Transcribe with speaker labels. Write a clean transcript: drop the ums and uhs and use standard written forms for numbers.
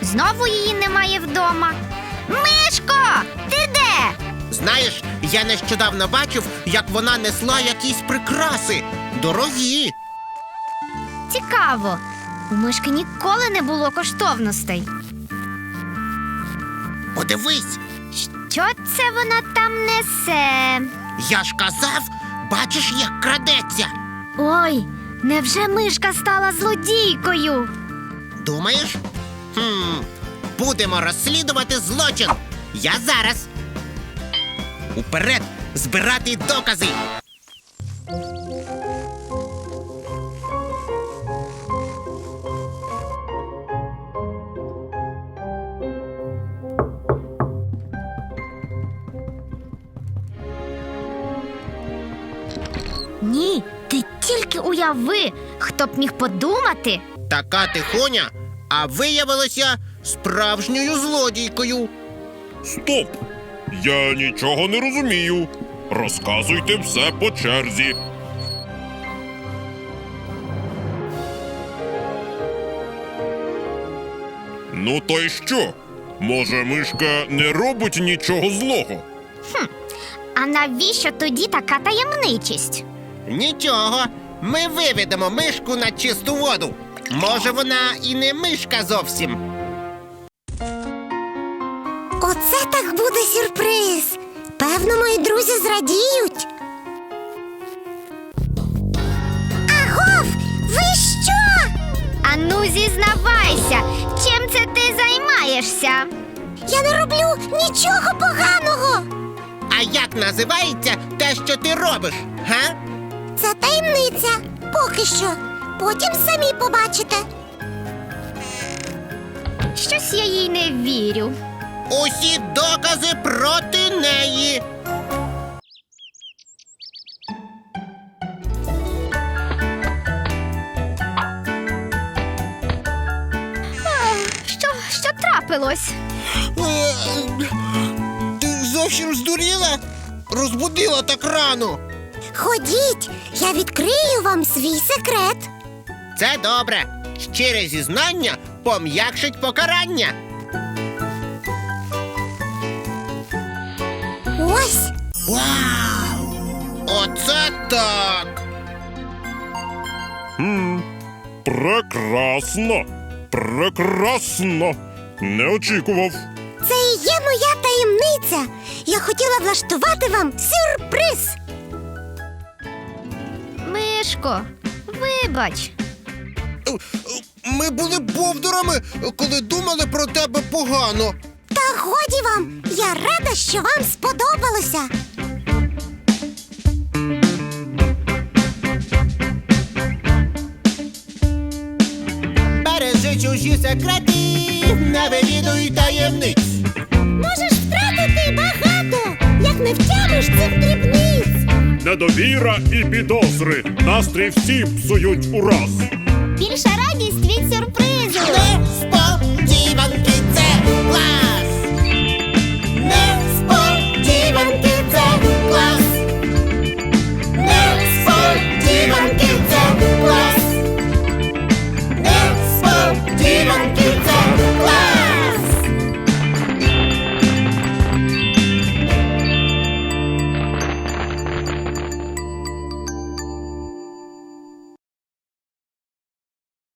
Speaker 1: Знову її немає вдома. Мишко, ти де?
Speaker 2: Знаєш, я нещодавно бачив, як вона несла якісь прикраси. Дорогі.
Speaker 1: Цікаво. У мишки ніколи не було коштовностей.
Speaker 2: Подивись,
Speaker 1: Що це вона там несе?
Speaker 2: я ж казав, бачиш, як крадеться.
Speaker 1: Ой, невже мишка стала злодійкою?
Speaker 2: Думаєш? Будемо розслідувати злочин. Я зараз. Уперед, збирати докази.
Speaker 1: Ні, ти тільки уяви, хто б міг подумати.
Speaker 2: Така тихоня, а виявилася справжньою злодійкою.
Speaker 3: Стоп! Я нічого не розумію. Розказуйте все по черзі. Ну то й що? Може, мишка не робить нічого злого?
Speaker 1: А навіщо тоді така таємничість?
Speaker 2: Нічого, ми виведемо мишку на чисту воду. Може, вона і не мишка зовсім.
Speaker 4: Оце так буде сюрприз. Певно, мої друзі зрадіють. Агов, ви що?
Speaker 1: Ану, зізнавайся, чим це ти займаєшся?
Speaker 4: Я не роблю нічого поганого.
Speaker 2: А як називається те, що ти робиш, га?
Speaker 4: Це таємниця. Поки що. Потім самі побачите.
Speaker 1: Щось я їй не вірю.
Speaker 2: Усі докази проти неї.
Speaker 1: Що трапилось?
Speaker 2: Ти зовсім здуріла? Розбудила так рано.
Speaker 4: Ходіть, я відкрию вам свій секрет.
Speaker 2: Це добре. Щире зізнання пом'якшить покарання.
Speaker 4: Ось.
Speaker 2: Вау! Оце так!
Speaker 3: Прекрасно! Прекрасно! Не очікував.
Speaker 4: Це і є моя таємниця. Я хотіла влаштувати вам сюрприз.
Speaker 1: Мишко, вибач.
Speaker 2: Ми були бовдурами, коли думали про тебе погано.
Speaker 4: Та годі вам. Я рада, що вам сподобалося.
Speaker 2: Бережи чужі секрети, не вивідуй таємниць.
Speaker 4: Можеш втратити багато, як не втямиш цих дрібниць.
Speaker 3: Недовіра і підозри. Настрій всі псують ураз.
Speaker 4: Більша радість від сюрпризу.
Speaker 2: Не